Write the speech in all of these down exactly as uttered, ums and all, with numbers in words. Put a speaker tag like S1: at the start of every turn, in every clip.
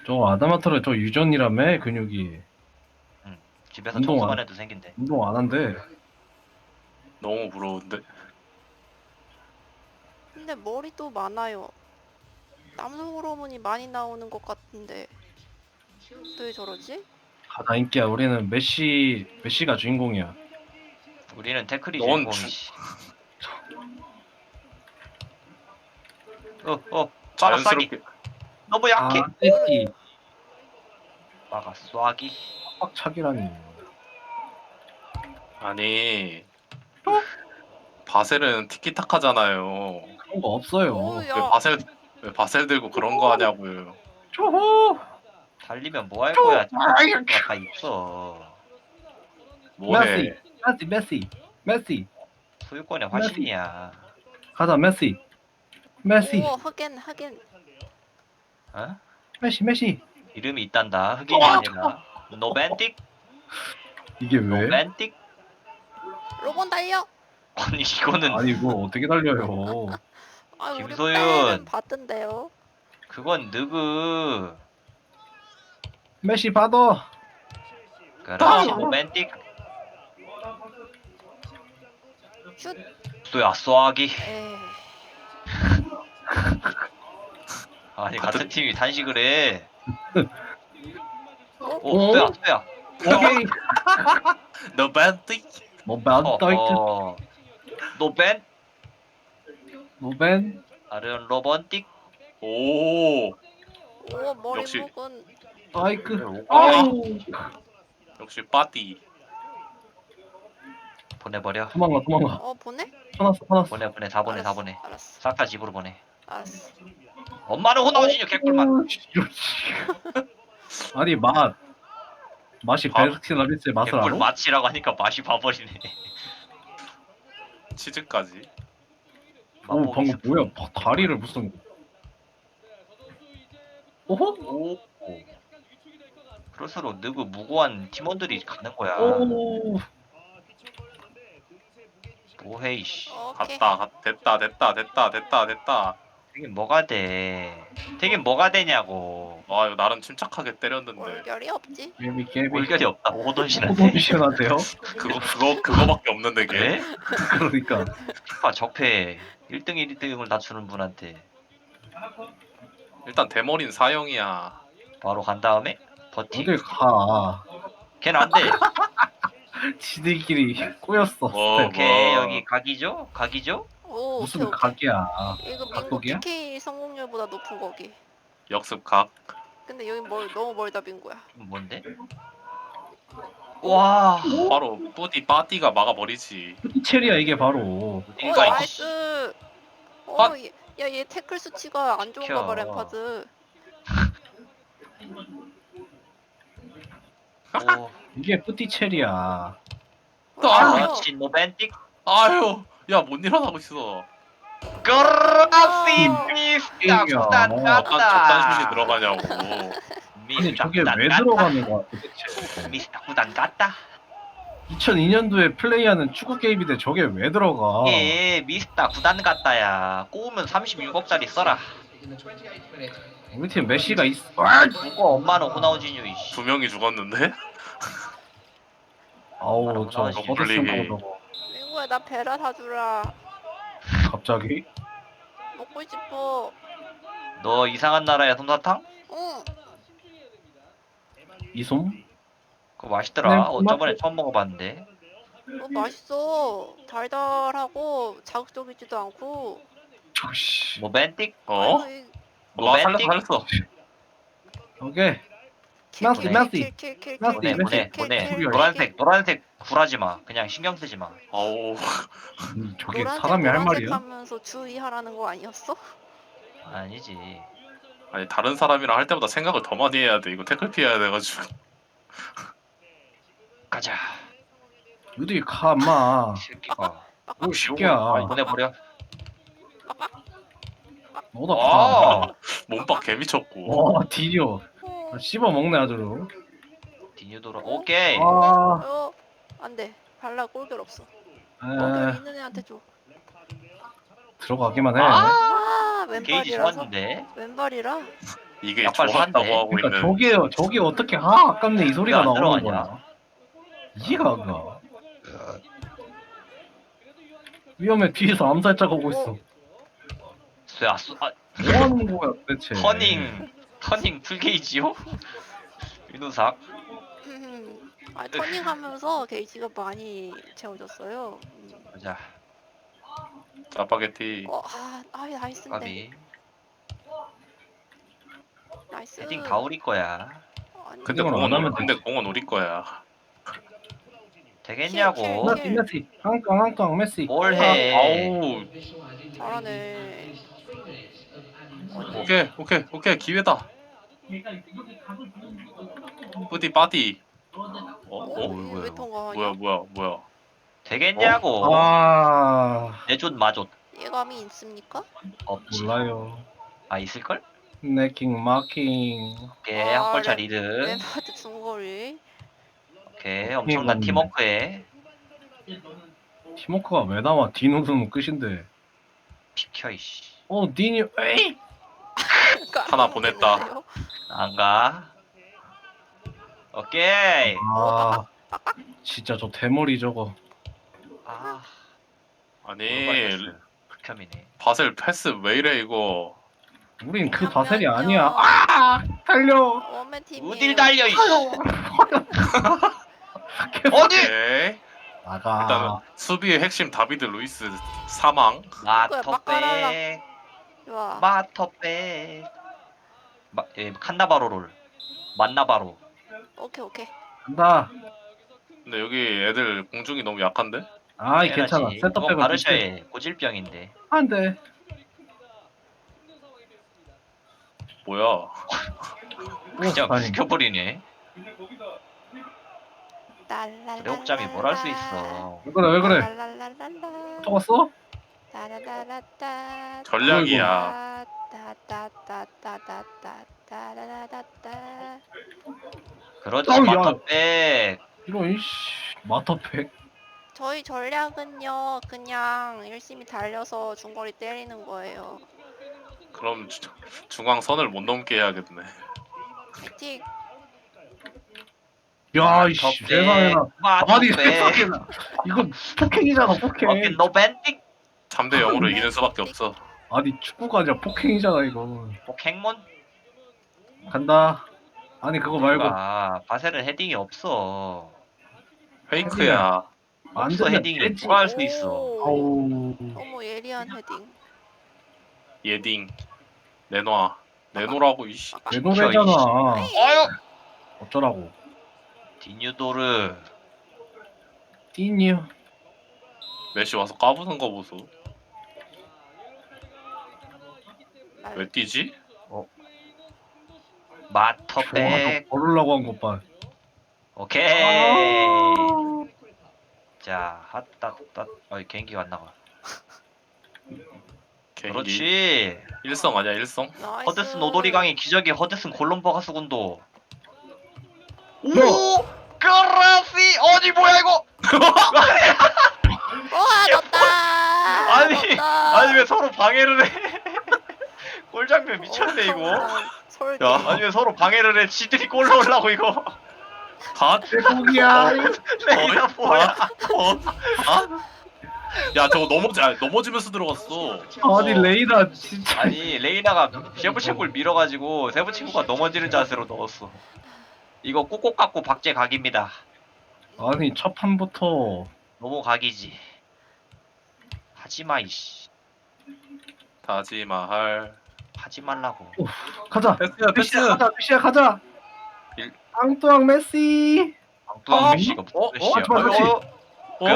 S1: 저 아다마터를 저 유전이라며 근육이
S2: 응. 집에서
S1: 운동
S2: 청소만
S1: 안
S2: 해도 생긴대.
S1: 운동 안 한대.
S3: 너무 부러운데.
S4: 근데 머리도 많아요. 남성 호르몬이 많이 나오는 것 같은데 왜 저러지?
S1: 가다 인기야. 우리는 메시 메시가 주인공이야.
S2: 우리는 태클이
S3: 넌
S2: 주인공이지. 어, 어, 빠가 쏴기.
S3: 자연스럽게
S2: 너무
S1: 아,
S2: 약해.
S1: 메시
S2: 빠가 쏴기.
S1: 빡차기라니.
S3: 아니 바셀은 티키타카잖아요.
S1: 그런 거 없어요.
S4: 오,
S3: 왜
S4: 야,
S3: 바셀 왜 바셀 들고 그런 거 하냐고요.
S1: 초호.
S2: 달리면 뭐 할 거야? 티키타카가 다 있어.
S3: 뭐해?
S1: 메시, 메시, 메시, 메시.
S2: 소유권의 화신이야.
S1: 가자 메시, 메시,
S4: 오, 흑엔, 흑엔.
S2: 어?
S1: 메시, 메시.
S2: 이름이 있단다. 흑인이 아니라. 노벤틱?
S1: 이게 왜?
S2: 노벤틱?
S4: 로봇 달려.
S2: 아니 이거는
S1: 아니 이거 어떻게 달려요?
S4: 아, 우리
S2: 김소윤.
S4: 빼는 봤던데요.
S2: 그건 느그.
S1: 메시 받아.
S2: 그렇지 노벤틱.
S4: 슛.
S2: 쏘야 쏘아기.
S4: 에이.
S2: 아니
S3: 같은-
S2: 같은 팀이 단식을 해.
S4: 어?
S2: 오 쏘야 쏘야.
S1: 오케이.
S3: 너 밴틱?
S1: 뭐 반다이트,
S2: 어허. 노벤?
S1: 노벤.
S2: 아르 로번틱?
S3: 오
S4: 오, 머리
S3: 역시.
S4: 목은.
S1: 아이크.
S2: 아.
S1: 아우.
S3: 역시 빠띠.
S2: 보내버려.
S1: 도망가, 도망가.
S4: 어, 보내?
S1: 화났어, 화났어.
S2: 보내 보내 다 보내 다
S4: 알았어,
S2: 보내.
S4: 알았어,
S2: 싹 다 집으로 보내.
S4: 알았어.
S2: 엄마는 호나우지뇨 개꿀맛.
S1: 오, 씨. 아니 맛 맛이
S3: 밥.
S1: 베르킨 라비스의 맛을
S2: 개꿀
S1: 알아?
S2: 맛이라고 하니까 맛이 봐버리네.
S3: 치즈까지.
S1: 오
S2: 맛보기
S1: 방금
S2: 스프.
S1: 뭐야? 바- 다리를 무슨? 오호?
S2: 오. 그럴수록 느그 무고한 팀원들이 가는 거야.
S1: 오.
S2: 뭐해 이씨.
S4: 오케이.
S3: 갔다 갔 됐다 됐다 됐다 됐다 됐다.
S2: 되긴 뭐가 돼. 되긴 뭐가 되냐고.
S3: 아 이거 나름 침착하게 때렸는데
S4: 월결이 없지.
S1: 개비 개비.
S2: 올결이 없다. 오돈신한테.
S1: 호동시원한데요?
S3: 그거 그거 그거밖에 없는데 걔.
S2: 그래?
S1: 그러니까
S2: 피파 적폐 일 등 일 등을 다 주는 분한테
S3: 일단 대머리는 사형이야.
S2: 바로 간 다음에 버티.
S1: 어딜 가?
S2: 걔는 안 돼.
S1: 지들끼리 꼬였어.
S3: 뭐,
S1: 스텝.
S2: 오케이
S3: 뭐.
S2: 여기 각이죠? 각이죠?
S4: 오,
S1: 무슨
S4: 오케이, 오케이.
S1: 각이야?
S4: 이거 민국
S1: 각국이야?
S4: 피케이 성공률보다 높은 거기.
S3: 역습 각.
S4: 근데 여기 멀, 너무 멀다 빈거야.
S2: 이건 뭔데? 와.
S3: 바로 뿌디 빠띠가 막아버리지.
S1: 체리야 이게 바로.
S4: 어,
S2: 이가
S4: 나이스. 어,
S3: 아.
S4: 얘- 야, 얘 태클 수치가 안 좋은가 봐,
S2: 시켜.
S4: 램파드.
S2: 오.
S1: 이게 뿌띠 체리야.
S4: 어,
S3: 아.
S4: 잘해요.
S2: 그렇지 노벤틱.
S3: 아유 야 못 일어나고 있어.
S2: 그렇지
S4: 어.
S2: 미스터
S1: 게임이야.
S2: 구단
S3: 저딴
S2: 갔다.
S3: 저딴 슛이 들어가냐고.
S1: 아니
S2: 미스터
S1: 저게
S2: 구단
S1: 왜
S2: 갔다.
S1: 들어가는 거야 도대체?
S2: 미스터 구단 갔다.
S1: 이천이 년도에 플레이하는 축구 게임인데 저게 왜 들어가?
S2: 예 미스터 구단 갔다야. 꼬우면 삼십육억짜리 써라.
S1: 우리 팀 메시가 있어. 아!
S2: 누구 엄마는 호나우지뉴 이씨.
S3: 두 명이 죽었는데?
S1: 아우 저
S2: 바로
S1: 거대슨
S3: 올리기.
S1: 저거
S4: 민구야, 나 베라 사주라.
S1: 갑자기?
S4: 먹고 싶어.
S2: 너 이상한 나라야 솜사탕?
S4: 응.
S1: 이솜?
S2: 그거 맛있더라.
S1: 네,
S2: 어, 저번에 처음 먹어봤는데.
S4: 어, 맛있어. 달달하고 자극적이지도 않고.
S1: 저씨.
S2: 뭐 벤틱?
S3: 어?
S4: 아이고, 이-
S2: 뭐
S3: 와 살렸어
S2: 벤틱?
S3: 살렸어.
S1: 오케이.
S4: 킬,
S1: 나스,
S4: 킬,
S1: 나스.
S4: 킬, 킬, 킬,
S1: 나스,
S2: 보내
S4: 킬,
S2: 보내
S4: 킬,
S2: 보내.
S4: 킬, 킬,
S2: 노란색 노란색 굴하지 마. 그냥 신경 쓰지 마.
S3: 아우
S1: 음, 저게
S4: 노란색,
S1: 사람이 할
S4: 노란색
S1: 말이야?
S4: 하면서 주의하라는 거 아니었어?
S2: 아니지.
S3: 아니 다른 사람이랑 할 때보다 생각을 더 많이 해야 돼. 이거 태클 피해야 돼가지고.
S2: 가자.
S1: 어디 가, 임마.
S2: 새끼가.
S1: 오, 새끼야.
S2: 보내버려.
S1: 너다 가.
S2: 아,
S3: 몸박 개 미쳤고.
S1: 와, 디디어.
S4: 어,
S1: 씹어 먹네, 아주.
S2: 디뉴도라. 오케이.
S1: 아,
S4: 어, 안 돼. 발라 꼴결 없어. 꼴결
S1: 에,
S4: 있는 애한테 줘.
S1: 들어가기만 해.
S2: 아,
S4: 아,
S2: 게이지
S4: 왼발이라서.
S2: 좋았는데.
S4: 왼발이라.
S3: 이게
S2: 약발
S3: 좋았다고
S2: 쐈네.
S3: 하고
S1: 그러니까
S3: 있는.
S1: 저게 저게 어떻게 아 아깝네 이 소리가
S2: 왜안
S1: 나오는
S2: 들어가냐?
S1: 거야. 이해가 안 가. 위험해 뒤에서 암살자가 오고 있어.
S2: 아, 수, 아,
S1: 뭐 하는 거야 도대체?
S2: 터닝 터닝 풀게이지요? 윤우삭
S4: 아, 터닝하면서 게이지가 많이 채워졌어요. 음.
S2: 보자.
S3: 짜파게티.
S4: 어, 아, 아, 나이스인데.
S2: 까비.
S4: 나이스.
S2: 헤딩 다 우리 거야.
S4: 아니,
S3: 근데
S1: 이건
S3: 공은
S1: 안 하면
S3: 우리, 근데
S1: 되지.
S3: 공은 우리 거야.
S2: 되겠냐고.
S4: 킬,
S1: 메시 메시 한강 한강 메시.
S2: 뭘
S1: 아,
S2: 해?
S3: 아우.
S4: 잘하네. 어디?
S3: 오케이 오케이 오케이 기회다. 뿌디 빠디. 어?
S4: 어?
S3: 어?
S2: 뭐야, 뭐야,
S4: 왜
S2: 이거.
S4: 통과하냐?
S3: 뭐야 뭐야 뭐야.
S2: 되겠냐고.
S1: 아
S2: 내존 마존
S4: 예감이 있습니까?
S2: 없지.
S1: 몰라요.
S2: 아 있을걸?
S1: 네킹 마킹.
S2: 오케이
S4: 아,
S2: 한 골차
S4: 랩-
S2: 리드.
S4: 램파드 중거리.
S2: 오케이 엄청난
S1: 이건-
S2: 팀워크에
S1: 팀워크가 왜 나와? 디노는 끝인데.
S2: 비켜 이씨.
S1: 어 디니 에이.
S3: 하나 보냈다.
S2: 안가. 오케이.
S1: 아 진짜 저 대머리 저거.
S2: 아
S3: 아니
S2: 극혐이네.
S3: 바셀 패스 왜 이래 이거.
S1: 우린 그 바셀이 아니야. 아 달려.
S4: 원맨 팀이.
S2: 어딜 달려 이씨. 어디?
S3: 오케이.
S1: 나가.
S3: 일단은 수비의 핵심 다비드 루이스 사망.
S2: 마터백.
S4: 좋아.
S2: 마터백. 마, 예, 칸나바로를. 만나바로.
S4: 오케이 오케이.
S1: 간다.
S3: 근데 여기 애들 공중이 너무 약한데?
S1: 아이 괜찮아.
S2: 그건
S1: 센터백은
S2: 바르샤의 고질병인데.
S1: 안돼.
S3: 뭐야?
S2: 그냥
S1: 아니.
S2: 죽여버리네.
S4: 랄랄랄랄라.
S2: 레옥잠이 뭘 할 수 있어.
S1: 왜 그래 왜 그래?
S4: 랄랄랄랄라.
S1: 또 왔어?
S4: 따라라라따.
S3: 전략이야.
S4: 따따따따따따따라라따.
S2: 그렇지
S1: 어우, 야.
S2: 마터백.
S1: 이런 이씨 마터팩.
S4: 저희 전략은요 그냥 열심히 달려서 중거리 때리는 거예요.
S3: 그럼 주- 중앙 선을 못 넘게 해야겠네.
S4: 틱.
S1: 야 이씨 세상에나. 아니
S2: 마터백.
S1: 세상에나. 이건 폭행이잖아
S2: 오케이
S1: 폭행.
S2: 노벤틱.
S3: 삼 대 영으로 이기는 수밖에 없어.
S1: 아니 축구가 아니라 폭행이잖아 이거.
S2: 행몬.
S1: 간다. 아니 그거 말고
S2: 아 바셀은 헤딩이 없어.
S3: 페이크야.
S1: 안
S2: 없어
S1: 되면
S2: 헤딩이
S1: 되지.
S2: 누가 할 수 있어.
S4: 오.
S1: 아우.
S4: 어머 예리한 헤딩.
S3: 예딩. 내놔. 내놓으라고 이씨.
S1: 내 노래잖아.
S2: 아유.
S1: 어쩌라고.
S2: 디뉴도르.
S1: 띠뉴.
S3: 메시 와서 까부는 거 보소. 왜 뛰지?
S2: 마터백.
S1: 걸으려고 한 것 봐.
S2: 오케이. 자 핫따따. 어이 개인기가 안 나가.
S3: 개인기.
S2: 그렇지.
S3: 일성 아니야 일성?
S4: 나이스.
S2: 허드슨 오도리강의 기적의 허드슨 콜롬버가 수군도. 오!
S1: 뭐?
S2: 그라시 어디 뭐야 이거?
S4: 와 넣었다.
S2: 아니,
S4: 넣었다.
S2: 아니 왜 서로 방해를 해? 골장면 미쳤네 이거.
S4: 엄청난 설계.
S3: 야.
S2: 아니 왜 서로 방해를 해? 지들이 골 넣으려고 이거.
S3: 다?
S1: 대국이야.
S2: 레이나 뭐야?
S3: 어? 아? 야 저거 넘어지 아, 넘어지면서 들어갔어.
S1: 아니 레이나 진짜.
S2: 아니 레이나가 세부친구를 밀어가지고 세부친구가 넘어지는 자세로 넣었어. 이거 꼭꼭 갖고 박제 각입니다.
S1: 아니 첫 판부터.
S2: 너무 각이지. 하지마 이씨.
S3: 다지마할.
S2: 하지 말라고.
S1: 가자.
S3: 패스야 패스.
S1: 메시야 가자. 메시야 가자.
S3: 일-
S1: 앙뚜앙 메시.
S2: 엉뚱한
S3: 어?
S2: 메시가
S3: 어?
S2: 무슨 메시야?
S1: 어? 맞지, 맞지.
S3: 어?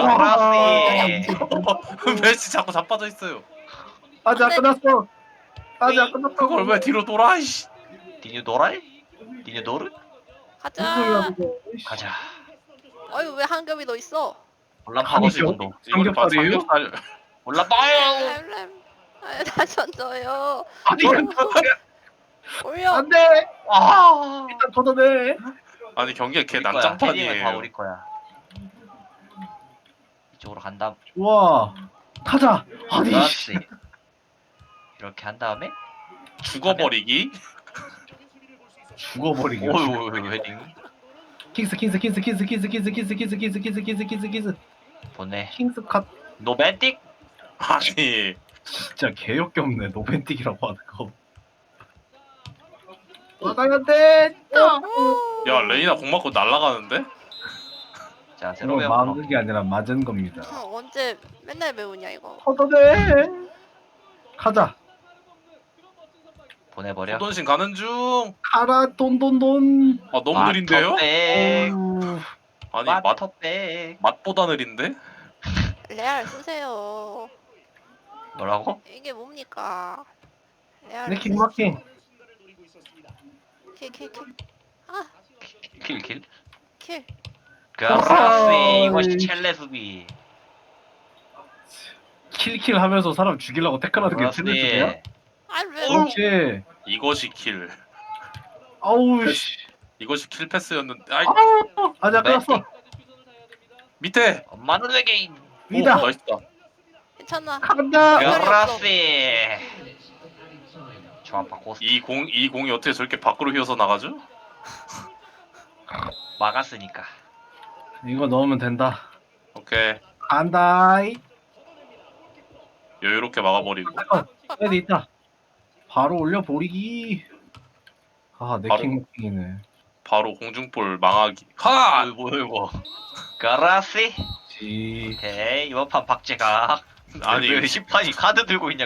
S2: 그라시.
S3: 메시 자꾸 자빠져 있어요.
S1: 아직 안
S4: 안 돼.
S1: 끝났어. 아직 안 끝났어.
S3: 그걸 왜 뒤로 돌아 이씨.
S2: 디뉴 도랄? 디뉴 도르?
S1: 무슨 소리야
S4: 가자.
S1: 그거. 이씨.
S2: 가자.
S4: 아유 왜 한 겹이 더 있어?
S2: 올라파고
S1: 아니,
S2: 지금도.
S3: 이거는 봐,
S1: 삼겹살이에요?
S3: 삼겹살.
S2: 올라파요.
S4: 램램. 아유 다시 던져요.
S1: 아니
S4: 올려.
S1: 안돼.
S2: 아.
S1: 일단 걷어내.
S3: 아니 경기가 개
S2: 우리 거야. 헤딩은 다
S3: 난장판이에요.
S2: 우리 거야. 이쪽으로 간 다음.
S1: 좋아. 가자. 아니. 씨.
S2: 그렇지. 이렇게 한 다음에
S3: 죽어버리기.
S1: 죽어버리게.
S2: 오유 헤딩
S1: 킹스 킹스 킹스 킹스 킹스 킹스 킹스 킹스 킹스 킹스 킹스 킹스 킹스
S2: 보내.
S1: 킹스 컷.
S2: 노맨틱.
S3: 아니
S1: 진짜 개역겹네 노벤틱이라고 하는 거. 나가야 돼.
S3: 야 레이나 공 맞고 날아가는데?
S2: 자 새로
S1: 이거
S2: 배워.
S1: 막은 게 아니라 맞은 겁니다.
S4: 어, 언제 맨날 배우냐 이거.
S1: 걷어내. 가자.
S2: 보내버려.
S3: 소돈신 가는 중.
S1: 가라 돈돈돈.
S3: 아 너무 느린데요?
S2: 백.
S1: 어우,
S3: 아니 맛
S2: 마터백.
S3: 맛보다 느린데?
S4: 레알 쓰세요.
S2: 뭐라고?
S4: 이게 뭡니까? 레알.
S1: 내 킹마킹.
S4: 킬킬 킬. 아
S2: 킬킬.
S4: 킬.
S2: 그라스
S1: 어허이.
S2: 이것이 첼레 수비.
S1: 킬킬 하면서 사람 죽이려고 태클하는 게 틀렸어요?
S4: 아 왜?
S1: 그렇지.
S3: 이것이 킬.
S1: 아우 씨.
S3: 이것이 킬 패스였는데. 아이
S1: 아우 아자 끊었어.
S3: 밑에.
S2: 엄마는 외계인.
S1: 위다.
S3: 오, 나이스다.
S4: 괜찮아.
S1: 간다.
S4: 야.
S2: 그라스. 조합 바꿔
S3: 이 공 이 공이 어떻게 저렇게 밖으로 휘어서 나가죠?
S2: 막았으니까.
S1: 이거 넣으면 된다.
S3: 오케이
S1: 간다.
S3: 여유롭게 막아버리고.
S1: 애들 있다. 바로 올려 버리기. 아, 내
S3: 바로-
S1: 킹마킹이네.
S3: 바로 공중볼 망하기. 하!
S2: 뭐 이거. 그라스.
S1: 지.
S2: 오케이 이번 판 박제각.
S3: 아니
S2: 왜 심판이 카드 들고 있냐